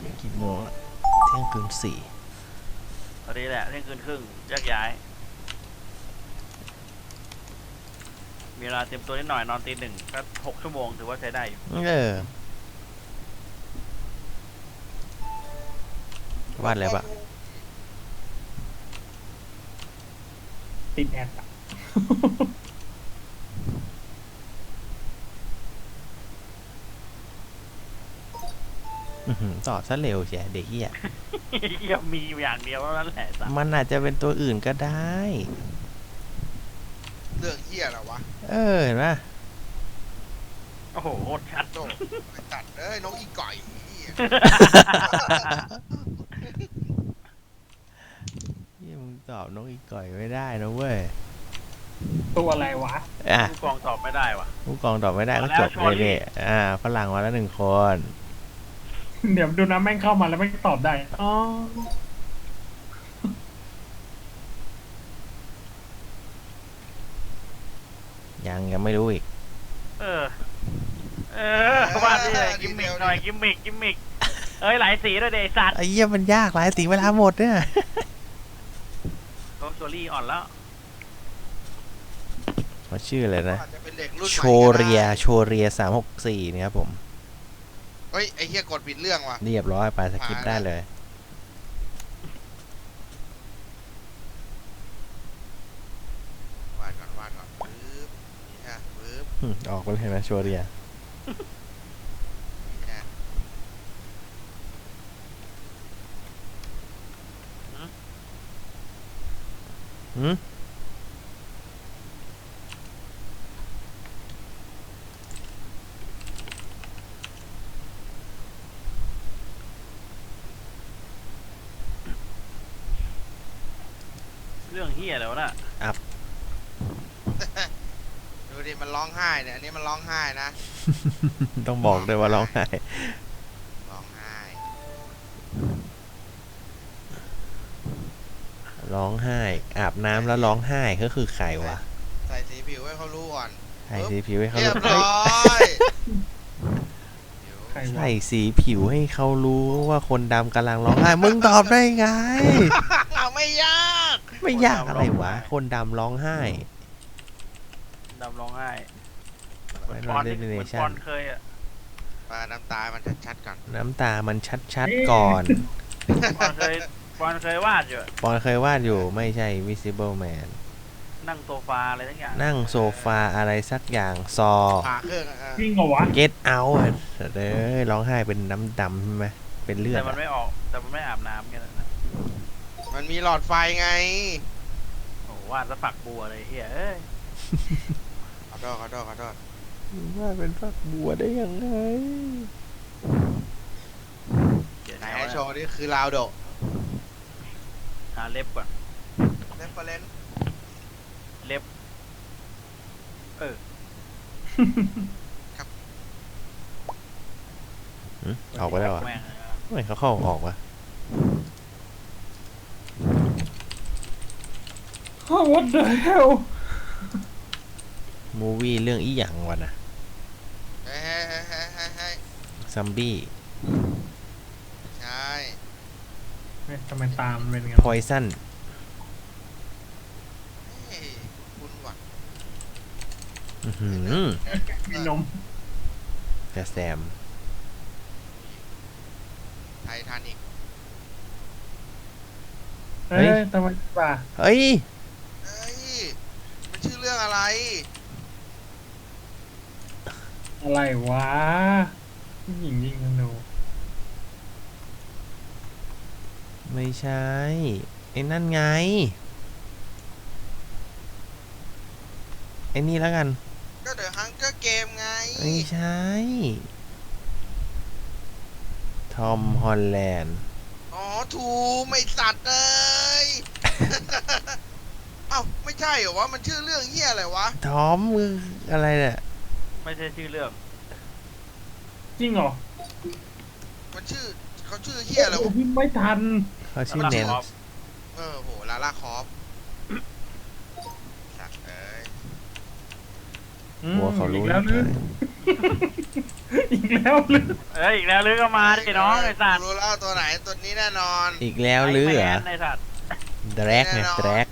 กี่โมงละเที่ยงคืน4 ตอนนี้แหละเที่ยงคืนครึ่งแยกย้ายมีเวลาเตรียมตัวนิดหน่อยนอนตี 1ก็6 ชั่วโมงถือว่าใช้ได้อยู่วาดอะไรปะติดแอดอะตอบซะเร็วเชียเด็กเหี้ยเหี้ยมีอย่างเดียวเท่านั้นแหละสัสมันอาจจะเป็นตัวอื่นก็ได้เรื่องเหี้ยเหรอวะเห็นปะโอ้โหโคตรชัดโจ้ไปตัดน้องอีก่อยเหี้ยยี่มึงตอบน้องอีก่อยไม่ได้นะเว้ยตัวอะไรวะผู้กองตอบไม่ได้ว่ะผู้กองตอบไม่ได้ก็จบมาแล้วเลยเนี่ยฝรั่งมาแล้ว1 คนเดี๋ยวดูนะแม่งเข้ามาแล้วแม่งตอบได้อ๋อยังไม่รู้อีกเออว่าดิกิมมิกหน่อยกิมมิกเอ้ยหลายสีด้วยเดสัตว์ไอ้เหี้ยมันยากหลายสีเวลาหมดเนี่ยโดนโซลี่อ่อนแล้วเขาชื่ออะไรนะอาจจะเป็นเด็กรุ่นใหม่โชก็ได้เรีย364นะครับผมเฮ้ยไอ้เหี้ยกดผิดเรื่องว่ะเรียบร้อยไปสกิปได้เลยวาดก่อนปึ๊บนี่ฮะปึ๊บออกไปเลยนะโชเรียนี่ฮะหืมเรื่องเฮียแล้วนะดูดิมันร้องไห้เนี่ยอันนี้มันร้องไห้นะต้องบอกด้วยว่าร้องไห้ร้องไห้ร้องไห้ อาบน้ำแล้วร้องไห้ก็คือใครวะใส่สีผิวให้เขารู้ก่อนใส่สีผิวให้เขาเรียบรู้ร้อยผิวใครวะใส่สีผิวให้เขารู้ว่าคนดำกำลังร้องไห้ มึงตอบได้ไงเอาไม่ยากไม่ยากอะไรวะ คนดำร้องไห้ดำร้องไห้ไม่ปรออดนเดนเนเหมือนชั่ปอน นเคยอ่ะมาน้ำตามันชัดๆก่อนน้ำตามันชัดๆก่อนปอนเคยวาดอยู่ปอนเคยวาดอยู่ไม่ใช่ Visible Man นั่งโซฟาอะไรทั้งอย่างนั่งโซฟาอะไรสักอย่างซอผ่าเครื่องจริงเหรอวะ Get Out ร้องไห้เป็นน้ำดำใช่ไหมเป็นเลือดแต่มันไม่ออกแต่มันไม่อาบน้ำกันนะมันมีหลอดไฟไงโอ้วาดสะฝักบัวเลยเฮียเอ้ยขอโทษว่าเป็นฝักบัวได้ยังไงเดี๋ยวไหนนะให้โชว์นี่คือลาวโดหาเล็บก่อนเรฟเฟอเรนซ์เล็บออกไปแล้วอ่ะแม่งทำไมเขาเข้าออกวะ What the hell มูวี่เรื่องอีหยังวะนะเฮ้ยซัมบี้ใช่เฮ้ยทำไมตามนเป็นไงพอยซันเฮ้ยคุณว่ะมีนมแต่แซมไททานิกเฮ้ยทำไมป่ะเฮ้ยเฮ้ยมันชื่อเรื่องอะไรอะไรวะผู้หญิงยิงธนูไม่ใช่ไอ้นั่นไงไอ้นี่แล้วกันก็เดอะฮังเกอร์เกมไงไม่ใช่ทอมฮอลแลนด์อ๋อถูกไม่สัตว์เลย เอ้าไม่ใช่เหรอวะมันชื่อเรื่องเหี้ยอะไรวะทอมมืออะไรเนี่ยไม่ใช่ชื่อเรื่องจริงเหรอมันชื่อเขาชื่อเหี้ยอะไรวะพี่ไม่ทันเขาชื่อเนนโหลาล่าคอฟสัตว์เอ้ยหัวเขารู้อีกแล้วเลนึยงอีกแล้วหรือเอ้ยอีกแล้วลือก็มาดิน้องไอ้สัตว์รู้แล้วตัวไหนตัวนี้แน่นอนอีกแล้วหรือเหรอไอ้สัตว์แดรกไงแดรก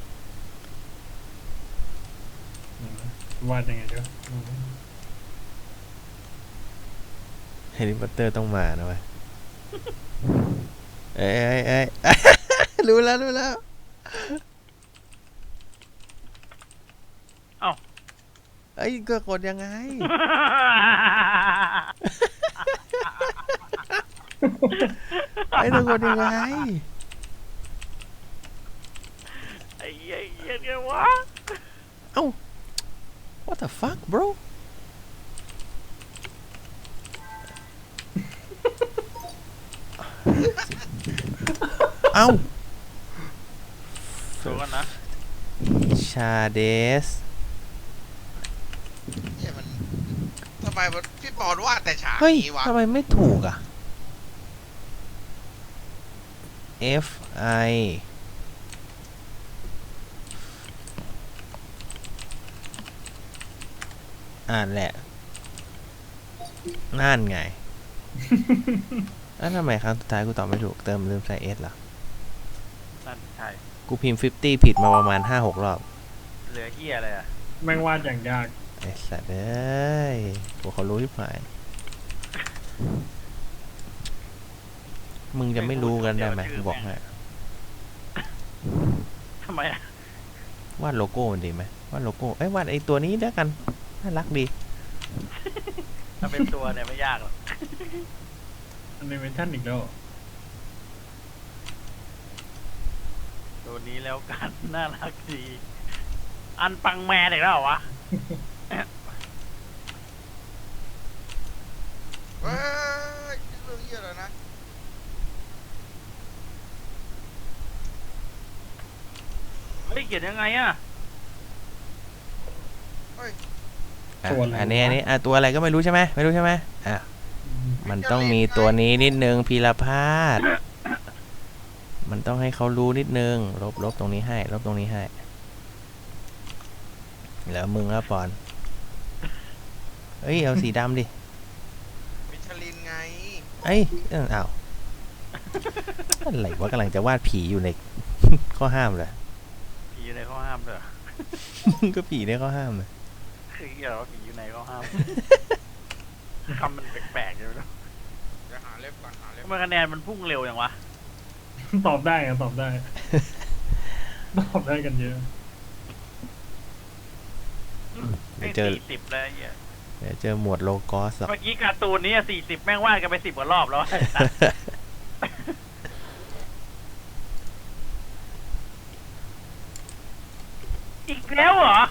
วาดยังไงเดี๋ยวแฮร์รี่พอตเตอร์ต้องมานะเว้ยเอ้ยเอ้ย รู้แล้วรู้แล้วเอ้ยก็กดยังไง ไอ้ต้องกดยังไงไอ้เหี้ยไงวะเอ้า what the fuck bro เอ้าดูกันนะชาเดสเนี่ยมันทำไมพี่ปอนวาดแต่ฉากเฮ้ยนี้วะทำไมไม่ถูกอ่ะ F I อ่านแหละ นั่นไง แล้วทำไมครั้งสุดท้ายกูตอบไม่ถูก เติมลืมใส่ S เหรอนั่นใช่กูพิมพ์ 50 ผิดมาประมาณ 5-6 รอบเหลือเหี้ยอะไรอ่ะแม่งวาดอย่างยากไอ้สัตว์เอ้ยพวกเขารู้ที่ผาย มึงจะไม่รู้กันได้ไหมกูบอกให้ทำไมอ่ะวาดโลโก้มันดีไหมวาดโลโก้ เอ้ยวาดไอ้ตัวนี้แล้วกัน น่ารักดีถ้าเป็นตัวเนี่ยไม่ยากหรอกอนิเมชั่นอีกแล้วตัวนี้แล้วกัน น่ารักดี อันปังแมนอีกแล้วเหรอวะเฮ้ยเรื่องเหี้ยอะไรนะเฮ้ยเขียนยังไงอ่ะอ่ะอันนี้อ่ะตัวอะไรก็ไม่รู้ใช่ไหมไม่รู้ใช่ไหมอ่ะ มันต้องมีตัวนี้นิดนึงพีรพาสมันต้องให้เขารู้นิดนึง ลบตรงนี้ให้ ลบตรงนี้ให้ แล้วมึงอ่ะปอน เอ้ย เอาสีดำดิมิชลินไงเอ้ยอ้าวอะไรวะกำลังจะวาดผีอยู่ใน ข้อห้ามเลยผีอยู่ในข้อห้ามด้วยเหรอก็ผีในข้อห้ามเลยคือเกี่ยวกับผีอยู่ในข้อห้าม คำมันแปลกๆอยู่นะเดี๋ยวหาเล็บก่อนหาเล็บทำไมคะแนนมันพุ่งเร็วอย่างวะตอบได้อะตอบได้ ตอบได้กันเยอะเดี๋ยวเจอ 40แล้วไอ้เหี้ยเดี๋ยวเจอหมวดโลกอสหรอกเมื่อกี้การ์ตูนนี้40 แม่งวาดกันไป10 กว่ารอบแล้ว ไอ้สัสอีกแล้วเหรอ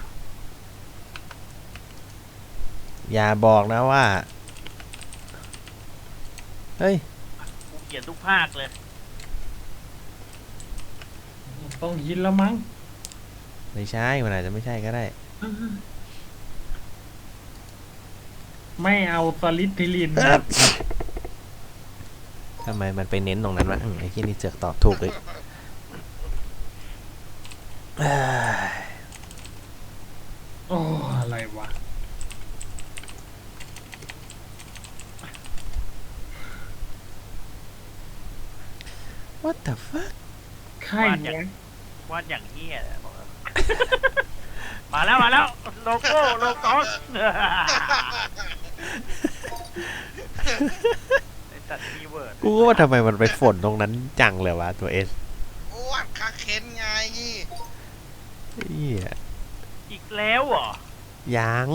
อย่าบอกนะว่า เฮ้ยกูเขียนทุกภาคเลยต้องยินแล้วมั้งไม่ใช่ มันอาจจะไม่ใช่ก็ได้ไม่เอาสลิดทิลินทำไมมันไปเน้นตรงนั้นวะไอ้ที่นี่เจือกตอบถูกเลยโอ้อะไรวะ What the fuck ใครวาดอย่างวะวาดอย่างเหี้ยเลยบอกเลย มาแล้วโลโก้โลโก้ไอ้ตัดคีย์เวิร์ดกูก็ว่าทำไมมันไปฝนตรงนั้นจังเลยวะตัวเอสวาดคาเคนไงเหี้ยอีกแล้วเหรอยัง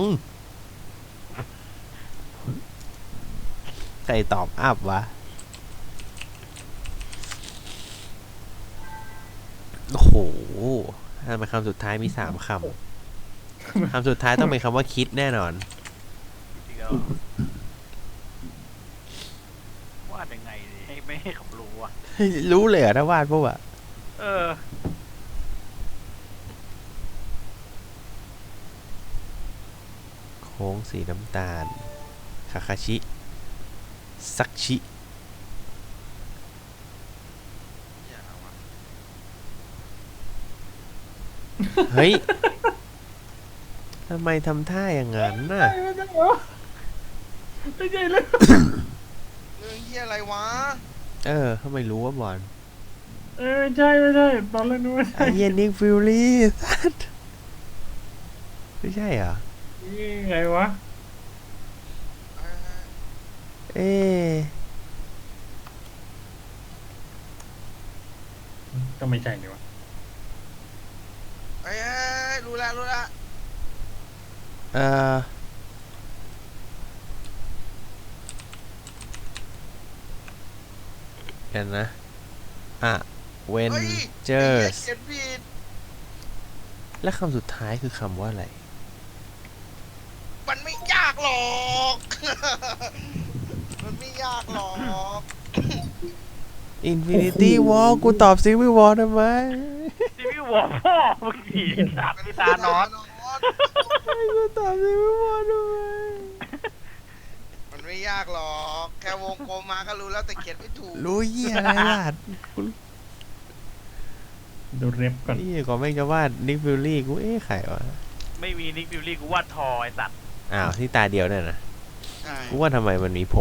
ใครตอบอัพวะ โอ้โหทำไมคำสุดท้ายมี3 คำ คำสุดท้ายต้องเป็นคำว่าคิดแน่นอนอีกแล้ววาดยังไงดีให้ไม่ให้เขารู้อ่ะรู้เลยเหรอถ้าวาดพวกอะเออโค้งสีน้ำตาล คาคาชิ ซักชิเนี่ยเอาวะเฮ้ย ทำไมทำท่าอย่างนั้นน่ะไม่ใช่เรื่องเรื่องเฮียอะไรวะทำไมรู้ว่าบอลไม่ใช่ไม่ใช่ตอนแรกนึกว่าไอ้ใช่เหี้ยนิกฟิลลี่สัสไม่ใช่เหรอนี่ไงวะเอ๊ะก็ไม่ใช่นี่วะเอ้ยรู้ละรู้ละเอ่อเดี๋ยวนะเวนเฮ้ยเจอร์สเขียนผิดและคำสุดท้ายคือคำว่าอะไรมันไม่ยากหรอก มันไม่ยากหรอก Infinity War กูตอบ Civil War ทำไมซีวิววอร์พ่อมึงขี่สัตว์พิธานอสกูตอบ Civil War ทำไมมันไม่ยากหรอก แค่วงกลมมาก็รู้แล้วแต่เขียนไม่ถูกรู้เหี้ยอะไรล่ะดูเร็บก่อนนี่ก่อนแม่งจะวาดนิกฟิลลี่กูใครวะไม่มีนิกฟิลลี่กูวาดทอไอสัตว์อ้าวที่ตาเดียวเนี่ยนะใช่กูว่าทำไมมันมีผม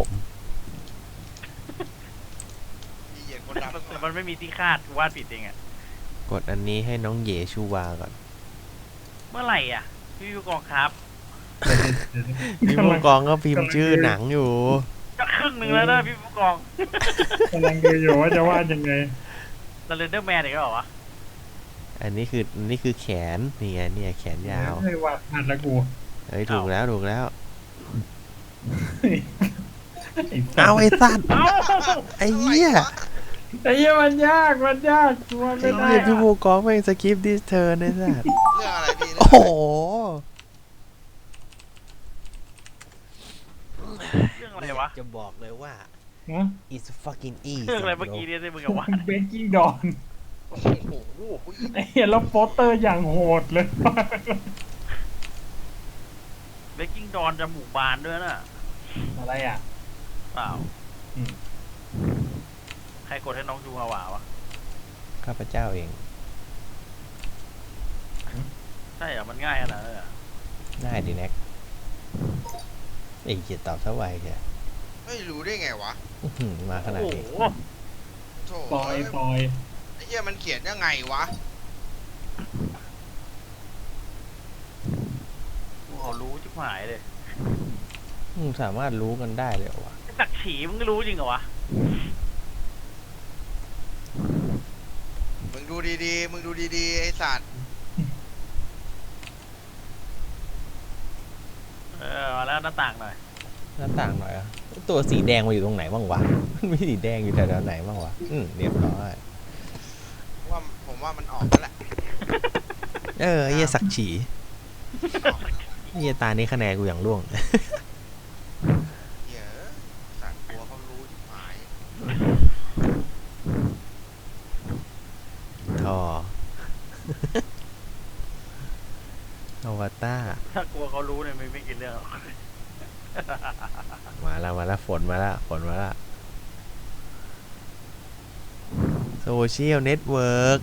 มีเหยียดคนดำแต่มันไม่มีที่คาดกูวาดผิดเองอะกดอันนี้ให้น้องเยชูวาก่อนเมื่อไหร่อ่ะพี่ผู้กองครับพี่ผู้กองก็พิมพ์ชื่อหนังอยู่ก็ครึ่งหนึ่งแล้วนะพี่ผู้กองกำลังดูอยู่ว่าจะวาดยังไงสเลนเดอร์แมนอีกแล้วเหรอวะอันนี้คือแขนนี่ไงเนี่ยแขนยาวไม่วาดพลาดแล้วกูเฮ้ยถูกแล้วเอาเอาไอ้สัตว์เอ้าไอ้เหี้ยไอ้เหี้ยมันยากกูว่าไอ้ไม่ได้เหี้ยพี่ผู้กองแม่งสกิปดิสเทิร์นไอ้สัตว์เรื่องอะไรพี่โอ้โหเรื่องอะไรวะจะบอกเลยว่าฮะ it's fucking easy เรื่องอะไรเมื่อกี้เนี่ยที่มึงกับว่าเบกกิ้งดอนโอ้โหไอ้เหี้ยแล้วโปสเตอร์อย่างโหดเลยเบกกิ้งดอนจมูกบานด้วยน่ะอะไรอ่ะเปล่าอืมใครกดให้น้องดูฮาวาวะข้าพเจ้าเองใช่เหรอมันง่ายขนาดนั้นเลยเหรอง่ายดีแน็กไอ้เหี้ยตอบซะไวแค่ไม่รู้ได้ไงวะมาขนาดโอ้นี้โหโถ่ปอยไอ้เหี้ยมันเขียนยังไงวะกูขอรู้ชิบหายเลยสามารถรู้กันได้เลยเหรอวะไอ้ศักดิ์ฉีมึงก็รู้จริงเหรอวะมึงดูดีๆ มึงดูดีๆ ไอ้สัตว์มาแล้วหน้าต่างหน่อยหน้าต่างหน่อยอะตัวสีแดงมาอยู่ตรงไหนบ้างวะ มันมีสีแดงอยู่แถวๆไหนบ้างวะเรียบร้อยว่าผมว่ามันออกแล้วแหละไอ้เหี้ยสักฉีไอ้เหี้ยตานี้คะแนนกูอย่างร่วงเหี้ยสัตว์กลัวเขารู้ที่หมายทอ อวตารถ้ากลัวเขารู้เนี่ยไม่กินเรื่องหรอกมาแล้วฝนมาแล้วโซเชียลเน็ตเวิร์ก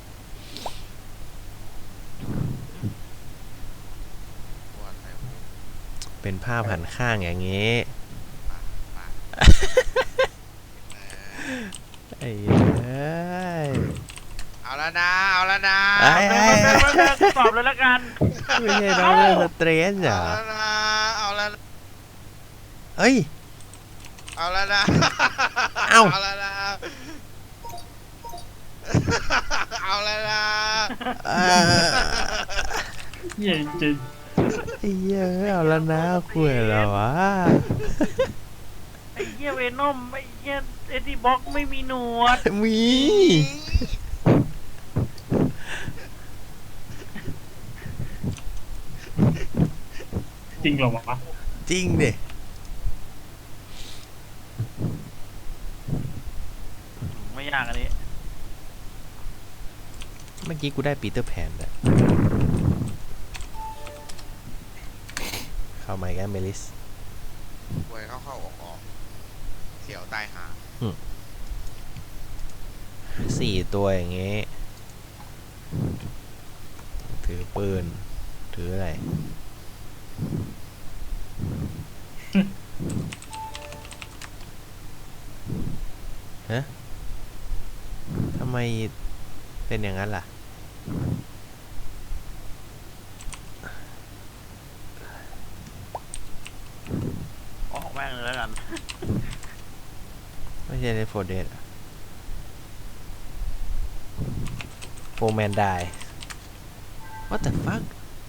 เป็นภาพหันข้างอย่างงี้ ไอ้เอ้ยเอาแล้วนะ เอาแล้วนะไอ้กูตอบเลยละกันไม่ใช่น้องเรื่องสเตรสเหรเอาอแล้วนะ เอาแล้วนะเอ้ยเอาแล้วนะเอ้าเอาแล้วนะ เอาแล้วนะเอ่อเหี้ยจริงไอ้เหี้ยเอาแล้วนะคุยแล้ววะไอ้เหี้ยเวนอมไอ้เหี้ยเอ็ดดี้บ็อกไม่มีหนวดมีจริงเหรอวะจริงดิไม่ยากอันนี้เมื่อกี้กูได้ปีเตอร์แพนแล้วเข้ามาอีกแล้วเมลิสป่วยเข้าๆออกๆเสียวตายหา 4 ตัวอย่างงี้ ถือปืน ถืออะไรทำไมเป็นอย่างนั้นล่ะออกแม่งเลยแล้วกันไม่ใช่ในโฟเดตโฟแมนได้ What the fuck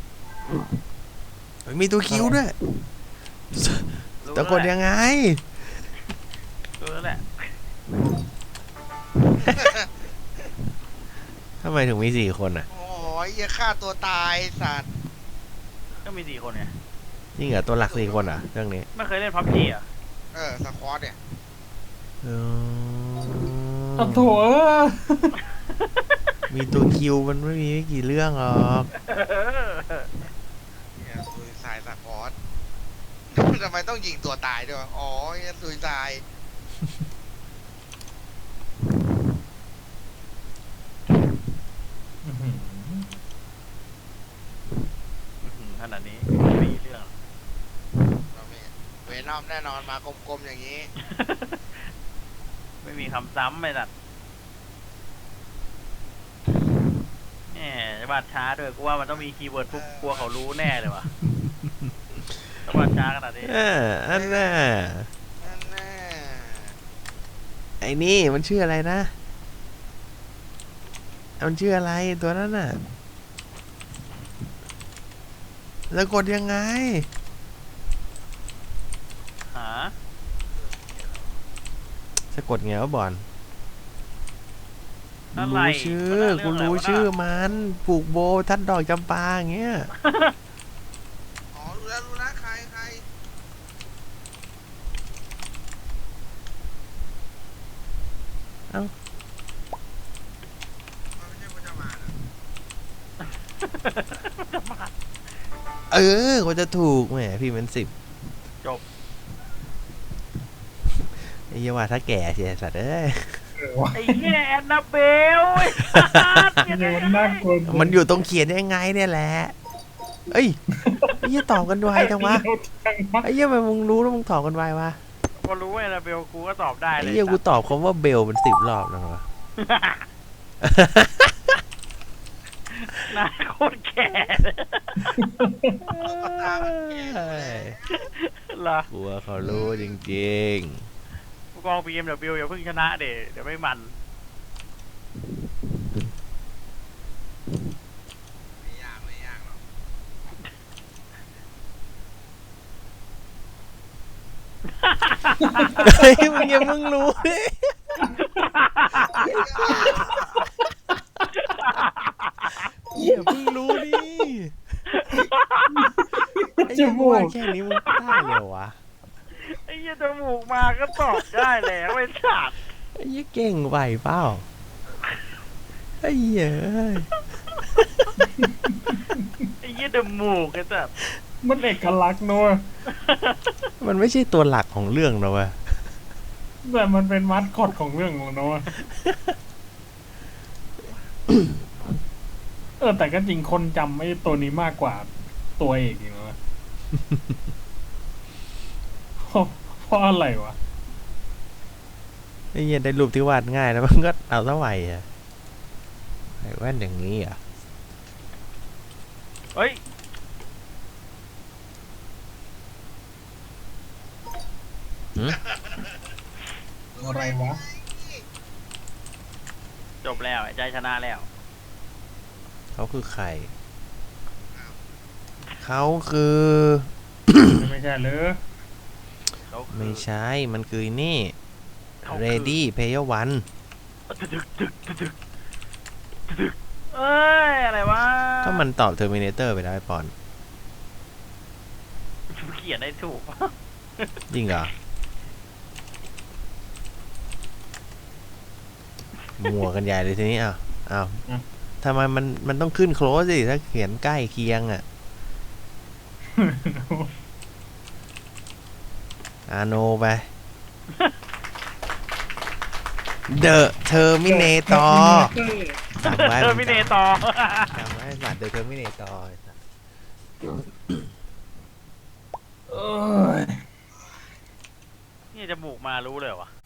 มีตัวคิวด้วยรู้ตะกดยังไงรู้แล้วแหละทำไมถึงมี4 คนอ่ะโอ้ยอย่าฆ่าตัวตายสัตว์ก็มี4 คนเนี่ยจริงเหรอตัวหลัก4 คนอ่ะเรื่องนี้ไม่เคยเล่นพับจีอ่ะสควอตเนี่ยอ้าวโถเออมีตัวคิวมันไม่มีไม่กี่เรื่องหรอกเนี่ยซุยไซด์สควอต ทำไมต้องยิงตัวตายด้วยวะอ๋อเนี่ยซุยไซด์อื้อหือขนาดนี้ไม่มีเรื่องเราไม่เวนอมแน่นอนมากลมๆอย่างนี้ไม่มีคำซ้ำไม่ตัดแหมวาดช้าด้วยกูว่ามันต้องมีคีย์เวิร์ดปุ๊บกลัวเขารู้แน่เลยว่ะต้องวาดช้าขนาดนี้อันน่ะนั่นแน่ไอ้นี่มันชื่ออะไรนะ มันชื่ออะไรตัวนั้นน่ะ แล้วกดยังไงหาสะกดไงวะบอลอะไรรู้ชื่อมันกูเงะไวะรู้ชื่อมันปลูกโบทัดดอกจำปาอย่างเงี้ยอ๋อรู้แล้วใครมันไม่ใช่พจมานเหรอเออกูจะถูกแหมพี่เป็น10 จบไอ้เหี้ยว่าถ้าแก่เสียสัตว์เอ้ยไอ้เหี้ยแอนนาเบลไอ้สัสเดี๋ยวมันน่ากลัวมันอยู่ตรงเขียนยังไงเนี่ยแหละ เอ้ยไอ้เหี้ยตอบกันไวจังวะ ไอ้เหี้ยมันมึงรู้แล้วมึงตอบกันไววะพอรู้ไอ้นาเบลกูก็ตอบได้ไอ้เลยเหี้ยกูตอบคำว่าเบลเป็น10 รอบแล้ววะหน้าโคตรแก่เลยตามันแก่เลยเหรอกลัวเขารู้จริงผู้กอง BMW อย่าเพิ่งชนะเดี๋ยวไม่มันไม่ยากหรอกๆ เฮ้ยมึงอย่ามึงรู้ดิอย่าเพิ่งรู้ดิไอ้จเหี้ยมึงมูว่าก แค่นี้มึงได้เลยวะไอ้เหี้ยจมูกมาก็ตอบได้แล้วไอ้สัตว์ไอ้เหี้ยเก่งไหวเปล่าไอ้เหี้ยเอ้ยไอ้เหี้ยจมูกไอ้สัตว์มันเอกลักษณ์เนอะมันไม่ใช่ตัวหลักของเรื่องนะเว้ยแต่มันเป็นมัดคอดของเรื่องของเนอะแต่ก็จริงคนจำไอ้ตัวนี้มากกว่าตัวเอกอีกเนอะ เพราะอะไรวะไอ้เหี้ยได้รูปที่วาดง่ายแล้วมันก็เอาเท่าไหร่อ่ะไอ้แว่นอย่างนี้อ่ะเฮ้ยอะไรวะจบแล้วไอ้ใจชนะแล้วเขาคือใคร เขาคือไม่ใช่เลยเขาคือไม่ใช่ มันคือนี่เขาคือ Ready Player One เอ้ยอะไรวะก็มันตอบ Terminator ไปแล้วไอ้ปอนเขียนได้ถูกจริงเหรอ มัวกันใหญ่เลยทีนี้อ้าวทำไมมันต้องขึ้น close สิ ถ้าเขียนใกล้เคียงอ่ะ อาโนไป The Terminator จำไว้เทอร์มิเนตอร์จำไว้สัตว์ The Terminator เอ้ยนี่จมูกมารู้เลยวะ